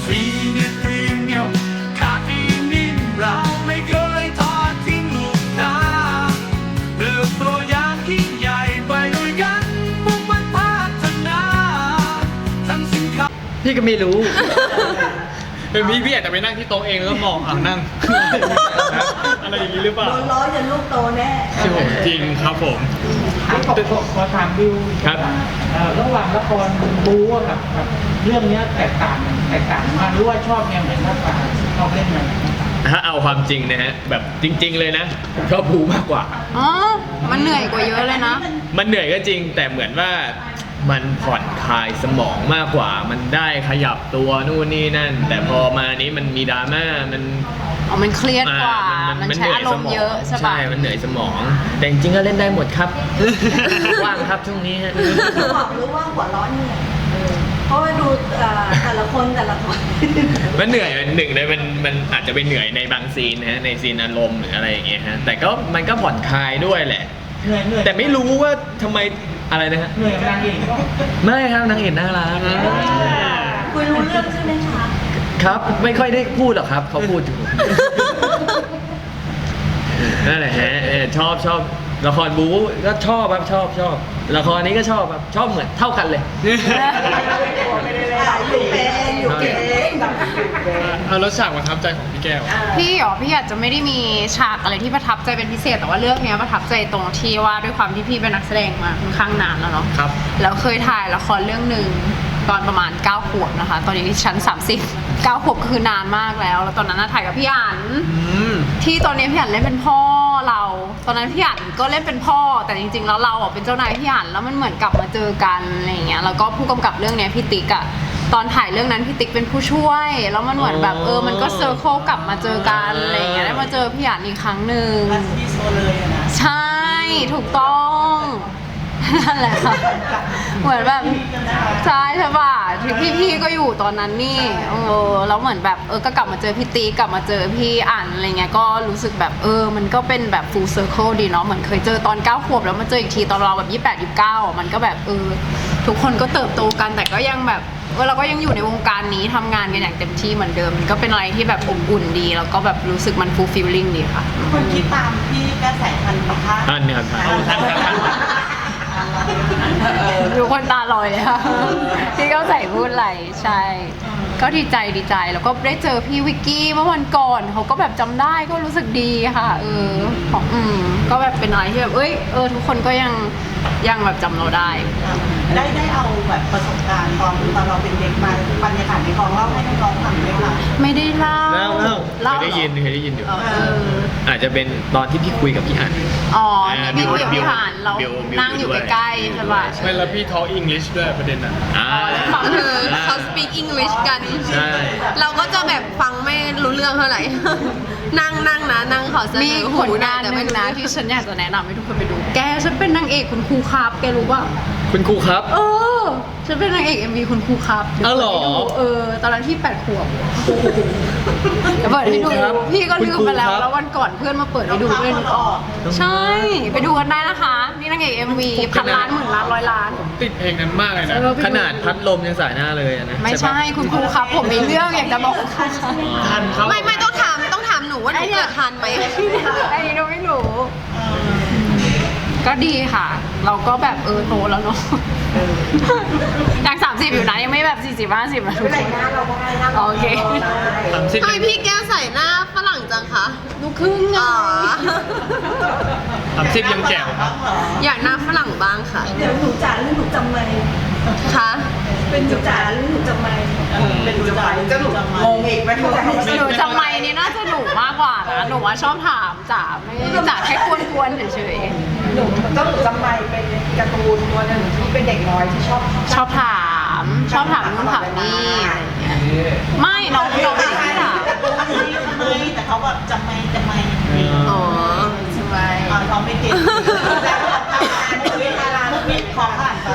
ซีเนี่ยเรียงเงียวขาดอีนิ่มเราไม่เคยทอดทิ้งลูกนาเลือกตัวอย่างที่ใหญ่ไปด้วยกันมุ่งมั่นพัฒนาทั้งสินค้าพี่ก็ไม่รู้เป็นพี่อาจจะไปนั่งที่โต๊ะเองแล้วก็มองนั่ง อะไรอย่างนี้หรือเปล่าโดนล้อจนลูกโตแน่จริงครับผมขอถามบิวครับระหว่างละครบู๊กับเรื่องนี้แตกต่างกันหรือว่าชอบแนวไหนมากกว่าชอบเล่นแนวไหนมากกว่าถ้าเอาความจริงนะฮะแบบจริง ๆเลยนะผมชอบบูมากกว่าอ๋อ มันเหนื่อยกว่าเยอะเลยนะมันเหนื่อยก็จริงแต่เหมือนว่ามันผ่อนคลายสมองมากกว่า มันได้ขยับตัวนู่นนี่นั่น แต่พอมานี้มันมีดราม่ามันอ๋อ มันเครียดกว่า มันใช้อารมณ์เยอะใช่ปะใช่ มันเหนื่อยสมอง แต่จริงๆก็เล่นได้หมดครับ ว่างครับช่วงนี้ฮะบอกหรือว่าหัวร้อนเหนื่อยเพราะว่าดูแต่ละคนมันเหนื่อยหนึ่งเลยมันอาจจะเป็นเหนื่อยในบางซีนนะฮะในซีนอารมณ์หรืออะไรอย่างเงี้ยฮะแต่ก็มันก็ผ่อนคลายด้วยแหละเหนื่อยแต่ไม่รู้ว่าทำไมอะไรนะฮะเหนื่อยกับนางเอกก็ไม่ครับนางเอกน่ารักคุยรู้เรื่องใช่ไหมคะครับไม่ค่อยได้พูดหรอกครับเขาพูดอยู่นั่นแหละฮะชอบละครบู๊ก็ชอบครับชอบละครนี้ก็ชอบครับชอบเหมือนเท่ากันเลยอยู่เป็นเอาแล้วฉากประทับใจของพี่แก้วพี่อาจจะไม่ได้มีฉากอะไรที่ประทับใจเป็นพิเศษ แต่ว่าเรื่องเนี้ยประทับใจตรงที่ว่าด้วยความที่พี่เป็นนักแสดงมาค่อนข้างนานแล้วเนาะครับแล้วเคยถ่ายละครเรื่องหนึ่งตอนประมาณ9 ขวบนะคะ ตอนนี้ชั้น30 9 ขวบก็คือนานมากแล้ว แล้วตอนนั้นน่ะถ่ายกับพี่อั๋นที่ตอนนี้พี่อั๋นเล่นเป็นพ่อเรา ตอนนั้นพี่อั๋นก็เล่นเป็นพ่อ แต่จริงๆแล้วเราอ่ะเป็นเจ้านายพี่อั๋นแล้วมันเหมือนกลับมาเจอกันอะไรอย่างเงี้ย แล้วก็ผู้กำกับเรื่องเนี้ยพี่ติ๊กอ่ะตอนถ่ายเรื่องนั้นพี่ติ๊กเป็นผู้ช่วย แล้วมันเหมือนแบบมันก็เซอร์เคิลกลับมาเจอกันอะไรอย่างเงี้ยได้มาเจอพี่อั๋นอีกครั้งหนึ่งที่โซเลยนะใช่ถูกต้องนั่นแหละค่ะเหมือนแบบใช่ป่ะพี่ก็อยู่ตอนนั้นนี่แล้วเหมือนแบบก็กลับมาเจอพี่ตีกลับมาเจอพี่อ่านอะไรเงี้ยก็รู้สึกแบบมันก็เป็นแบบ full circle ดีเนาะเหมือนเคยเจอตอน9 ขวบแล้วมาเจออีกทีตอนเราแบบ28 29มันก็แบบทุกคนก็เติบโตกันแต่ก็ยังแบบเราก็ยังอยู่ในวงการนี้ทำงานกันอย่างเต็มที่เหมือนเดิมมันก็เป็นอะไรที่แบบอบอุ่นดีแล้วก็แบบรู้สึกมัน fulfilling ดีค่ะคนคิดตามพี่กระแสทันไหมคะท่านเนี่ยครับทุกคนตาลอยเลยค่ะที่เขาใส่พูดอะไรใช่ ก็ดีใจแล้วก็ได้เจอพี่วิกกี้เมื่อวันก่อนเขาก็แบบจำได้ก็รู้สึกดีค่ะของก็แบบเป็นอะไรที่แบบทุกคนก็ยังแบบจำเราได้ได้เอาแบบประสบการณ์ตอนเราเป็นเด็กมาบรรยากาศในกองเล่าให้น้องๆฟังไหมคะไม่ได้เล่าเคยได้ยินอยู่อาจจะเป็นตอนที่พี่คุยกับพี่อั๋นอ๋อพี่คุยกับพี่หานเราบิวนั่งอยู่ใกล้ๆใช่ป่ะไม่แล้วพี่ทอ English ด้วยประเด็นน่ะฟังคือเขา speak English กันใช่เราก็จะแบบฟังไม่รู้เรื่องเท่าไหร่ นั่งขอเสนมีอผหูลงานแต่หไม่นึ่งรู้นะเรื่องที่ฉันอยากจะแนะนำให้ทุกคนไปดู แกฉันเป็นนางเอกคุณครูครับแกรู้ป่ะคุณครูครับฉันเป็นนางเอก MV คุณครูครับเดี๋ยวอ๋อเหรอเปิดให้ดูตอนนั้นที่8 ขวบเดี๋ยวเปิดให้ดูคุณครูครับพี่ก็ลืมไปแล้วคุณครูครับแล้ววันก่อนเพื่อนมาเปิดให้ดูด้วยนึกออกใช่ ไปดูกันได้นะคะ นี่นางเอก MV พันล้านหมื่นล้านร้อยล้านติดเพลงนั้นมากเลยนะขนาดพัดลมยังสายหน้าเลยอะนะไม่ใช่คุณครูครับ ผมมีเรื่องอยากจะบอกทันเขาไม่ต้องถามหนูว่าหนูเกิดทันไหมไอ้นี่เราไม่รู้ ก็ดีค่ะ เราก็แบบโตแล้วเนาะยัง30อยู่นะยังไม่แบบ40-50นะทุกคนโอเคทำไมพี่แก้วใส่หน้าฝรั่งจังคะลูกครึ่งไงอ๋อ 30ยังแจ๋วครับอยากหน้าฝรั่งบ้างค่ะเดี๋ยวหนูจ๋าหรือหนูจำไม่คะเป็นหนูจ๋าหรือหนูจำไม่เป็นหนูจ๋าหรือจะหนูงงอีกไหมหนูจำไม่นี่น่าจะหนูมากกว่านะหนูว่าชอบถามจ๋าไม่จ๋าแค่กวนๆเฉยหนูก็หนูจำไม่เป็นการ์ตูนตัวนึงที่เป็นเด็กน้อยที่ชอบๆชอบถามนู่นถามนี่อะไรอย่างเงี้ยไม่น้องไม่ได้ถามแต่เขาแบบจำไม่อ๋อใช่ไหมเขาไม่เก่งแต่เขาทำงานชีวิตอารามิดของผ่านไป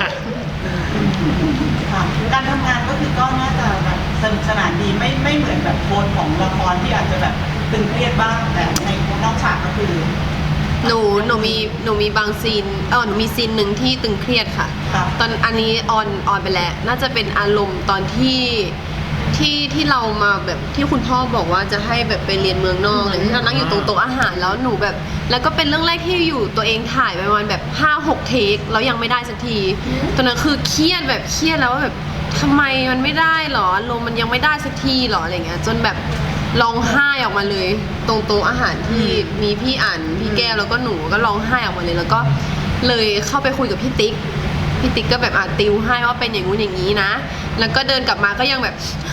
การทำงานก็คือก็น่าจะแบบสนุกสนานดีไม่เหมือนแบบโทนของละครที่อาจจะแบบตึงเครียดบ้างแต่ในนอกฉากก็คือหนูมีบางซีนหนูมีซีนหนึ่งที่ตึงเครียดค่ะครับตอนอันนี้ออนไปแล้วน่าจะเป็นอารมณ์ตอนที่ที่เรามาแบบที่คุณพ่อบอกว่าจะให้แบบไปเรียนเมืองนอกเลยที่เรานั่งอยู่ตรงโต๊ะอาหารแล้วหนูแบบ แล้วก็เป็นเรื่องแรกที่อยู่ตัวเองถ่ายไปประมาณแบบ 5-6 เทคแล้วยังไม่ได้สักทีตอนนั้นคือเครียดแล้วว่าแบบทำไมมันไม่ได้หรอลมมันยังไม่ได้สักทีหรออะไรเงี้ยจนแบบร้องไห้ออกมาเลยตรงโต๊ะอาหารที่มีพี่อั๋นพี่แก้วแล้วก็หนูก็ร้องไห้ออกมาเลยแล้วก็เลยเข้าไปคุยกับพี่ติ๊กก็แบบติวให้ว่าเป็นอย่างงู้นอย่างนี้นะ แล้วก็เดินกลับมาก็ยังแบบ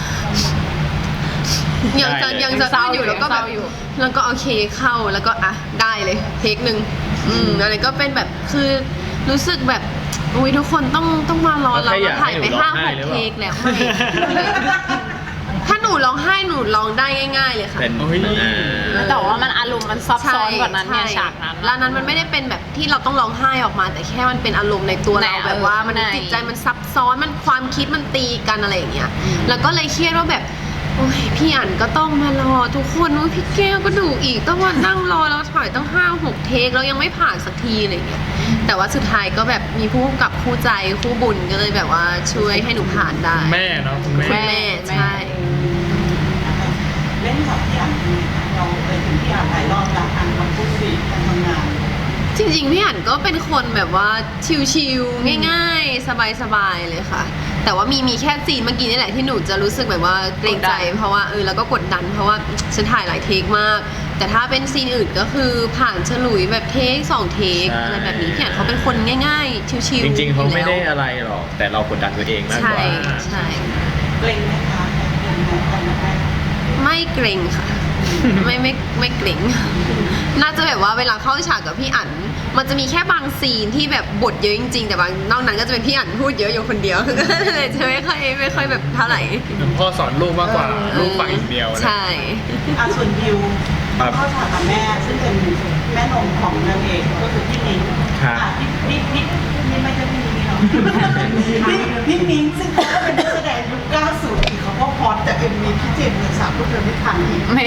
ยังจะเศร้าอยู่แล้วก็แบบแล้วก็โอเคเข้าแล้วก็ได้เลยเทคหนึ่งอะไรก็เป็นแบบคือรู้สึกแบบอุ้ยทุกคนต้องมารอเราถ่ายไป5-6 เทคแล้วไม่ถ้าหนูร้องไห้หนูร้องได้ง่ายๆเลยค่ะเป็นแต่ว่ามันอารมณ์มันซับซ้อนกว่านั้นเนี่ยใช่ฉากนั้นแล้วนั้นมันไม่ได้เป็นแบบที่เราต้องร้องไห้ออกมา แต่แค่มันเป็นอารมณ์ในตัวเราแบบว่ามันในจิตใจมันซับซ้อนมันความคิดมันตีกันอะไรอย่างเงี้ยแล้วก็เลยเครียดว่าแบบโอ้ยพี่อั๋นก็ต้องมารอทุกคนว่าพี่แก้วก็ดูอีกต้องมานั่งรอเราถ่ายตั้ง5-6 เทคแล้วยังไม่ผ่านสักทีอะไรอย่างเงี้ยแต่ว่าสุดท้ายก็แบบมีผู้กำกับคู่ใจคู่บุญก็เลยแบบว่าช่วยให้หนูผ่านได้แม่เนาะคุณคุณแม่แม่ใช่เล่นกับพี่อั๋นเราไปถึงพี่อั๋นหลายรอบแล้วอั๋นมาพูดคุยกันทำงานจริงๆพี่อั๋นก็เป็นคนแบบว่าชิลๆง่ายๆสบายๆเลยค่ะ แต่ว่ามีแค่ซีนเมื่อกี้นี่แหละที่หนูจะรู้สึกแบบว่าเกรงใจเพราะว่าแล้วก็กดดันเพราะว่าฉันถ่ายหลายเทคมาก แต่ถ้าเป็นซีนอื่นก็คือผ่านฉลุยแบบเทค2 เทคอะไรแบบนี้พี่อั๋นเขาเป็นคนง่ายๆชิลๆจริงๆเขาไม่ได้อยู่แล้วอะไรหรอกแต่เรากดดันตัวเองมากกใช่ว่าใช่เกรงไหมคะเกรงไหมตอนแรกไม่เกรงค่ะ ไม่เกรง น่าจะแบบว่าเวลาเข้าฉากกับพี่อั๋นมันจะมีแค่บางซีนที่แบบบทเยอะจริงๆ แต่บางนอกนั้นก็จะเป็นพี่อั๋นพูดเยอะอยู่คนเดียว เลยจะไม่ค่อยแบบเท่าไหร่พ่อสอนลูกมากกว่าลูกฟังอย่างเดียวนะใช่ส่วนดิวเข้าฉากกับแม่ซึ่งเป็นแม่นมของนางเอกก็คือพี่มิ้งพี่ไม่ใช่พี่มิ้งหรอกพี่มิ้งซึ่งเขาก็เป็นนักแสดงยุค90อีกเขาก็พอแต่เป็นมีพี่เจมส์เงินสามลูกเดินไม่ทันอีกไม่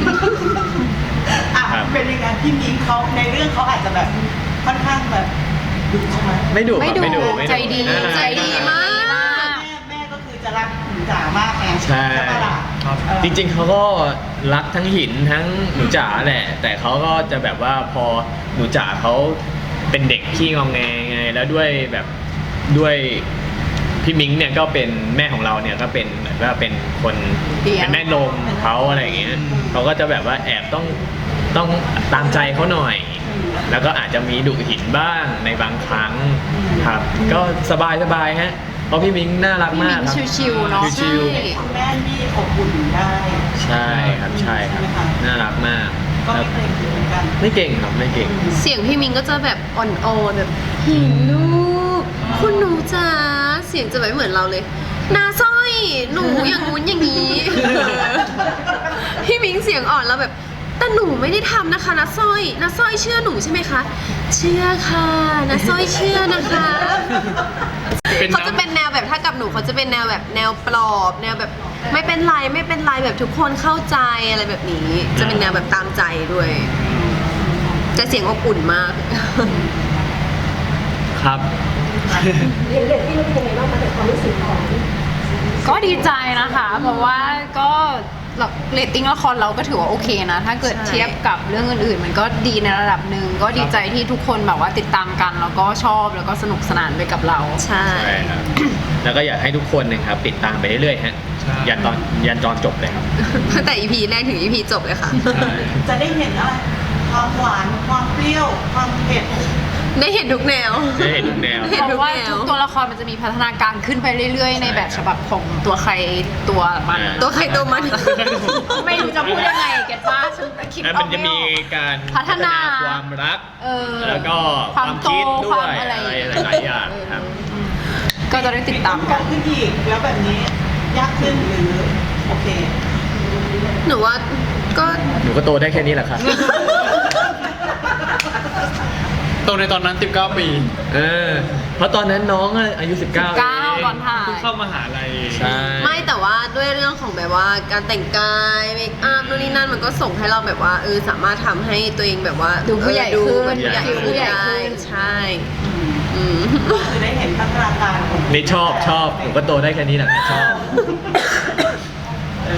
เป็นยังไงพี่มิ้งเขาในเรื่องเขาอาจจะแบบค่อนข้างแบบดุใช่ไหมไม่ดุครับไม่ดุไม่ใจดีน่ารักใจดีมากแม่ก็คือจะรักหนูจ๋ามากไงใช่ปะล่ะจริงๆเขาก็รักทั้งหินทั้งหนูจ๋าแหละ แต่เขาก็จะแบบว่าพอหนูจ๋าเขาเป็นเด็กขี้งองแงไงแล้วด้วยพี่มิ้งเนี่ยก็เป็นแม่ของเราเนี่ยก็เป็นเหมือนว่าเป็นคนเลี้ยงเป็นแม่นมเขาอะไรอย่างเงี้ยเขาก็จะแบบว่าแอบต้องตามใจเขาหน่อย แล้วก็อาจจะมีดุหินบ้างในบางครั้งครับ ก็สบายฮะเพราะพี่มิ้งน่ารักพี่มามิ้กงครับชิวๆเนาะชิวคุณแม่ที่อบอุ่นได้ใช่ครับใช่ครับใช่ไหมคะน่ารักมากก็ครัไม่บเกรงเหมือนกันไม่เก่งครับไม่เก่งเสียงพี่มิงก็จะแบบอ่อนๆแบบหินลูกคุณหนูจ๋าเสียงจะแบบไม่เหมือนเราเลยนาสร้อยหนูอย่างงู้นอย่างนี้ พี่มิงเสียงอ่อนแล้วแบบแต่หนูไม่ได้ทำนะคะนาสร้อยเชื่อหนูใช่ไหมคะเชื่อค่ะนาสร้อยเชื่อนะคะเป็นเขาจะน้ำเป็นแนวแบบถ้ากับหนูเขาจะเป็นแนวแบบแนวปลอบแนวแบบไม่เป็นไรแบบทุกคนเข้าใจอะไรแบบนี้ จะเป็นแนวแบบตามใจด้วยแต่เสียงอบอุ่นมากครับก็ดีใจนะคะ เพราะว่าก็เรตติ้งละครเราก็ถือว่าโอเคนะ ถ้าเกิดใช่เทียบกับเรื่องอื่นๆ มันก็ดีในระดับหนึ่งก็ดีใจที่ทุกคนแบบว่าติดตามกัน แล้วก็ชอบแล้วก็สนุกสนานไปกับเราใช่ใช่ครับ แล้วก็อยากให้ทุกคนนะครับติดตามไปเรื่อยๆฮะใช่ยันตอนจบเลยครับตั้งแต่ EP แรกถึง EP จบเลยค่ะใช่จะได้เห็นอะไรความหวานความเปรี้ยวความเผ็ดได้เห็นทุกแนวได้เห็นทุกแนวเห็นเพทุกราะว่าแนวทุกตัวละครมันจะมีพัฒนาการขึ้นไปเรื่อยๆ ในแบบฉบับของตัวใครตัวมันตัวใครตัวมันไม่รู้จะพูดยังไงเก็ตว่าฉันคิดแล้วอมัอน กจะไม่มีออกการพัฒนาความรัก แล้วก็ความโตคิดด้คว วามยอะไรหลายๆอย่างครับก็จะได้ติดตามกันขึ้นอีกแล้วแบบนี้ยากขึ้นหรือโอเคหนูว่าก็หนูก็โตได้แค่นี้แหละครับโตในตอนนั้น19 ปีเพราะตอนนั้นน้องอายุ 19 19ก่อนถ่ายเพิ่งเข้ามหาลัยใช่ไม่แต่ว่าด้วยเรื่องของแบบว่าการแต่งกายเมคอัพนู่นนี่นั่นมันก็ส่งให้เราแบบว่าสามารถทำให้ตัวเองแบบว่าดูผู้ใหญ่ดูขึ้นเป็นผู้ใหญ่ผู้ขึ้นใหญ่ได้ขึ้นใช่อืมก็คือได้เห็นพัฒนาการของนี่ชอบหนูก็โตได้แค่นี้แหละครับชอบเอ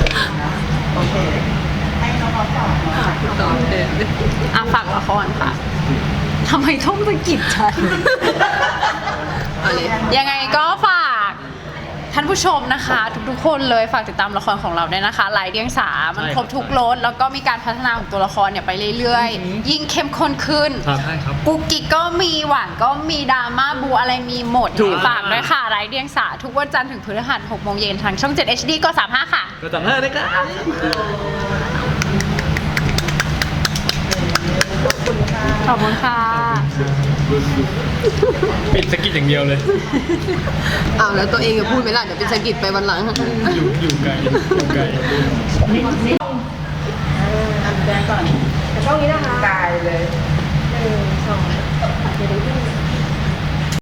อ่ะฝากละครค่ะทำไมต้องสะกิดฉันเอาเลยยังไงก็ฝากท่านผู้ชมนะคะ ทุกๆคนเลยฝากติดตามละครของเราด้วยนะคะหลายเดียงสามันครบทุกรสแล้วก็มีการพัฒนาของตัวละครเนี่ยไปเรื่อยๆ ยิ่งเข้มข้นขึ้นครับใช่ครับกุ๊กกิ๊กก็มีหวานก็มีดราม่าบูอะไรมีหมดถูกฝากด้วยค่ะไร้เดียงสาทุกวันจันทร์ถึงพฤหัส6 โมงเย็นทางช่อง 7 HD ก็35 ค่ะก็จำได้เลยครับขอบคุณค่ะปิดสกิดอย่างเดียวเลยอ้าวแล้วตัวเองจะพูดไหมล่ะเดี๋ยวเป็นสะกิดไปวันหลังอยู่ไกลอยู่ไกลแดงก่อนช่องนี้นะคะกายเลย1 2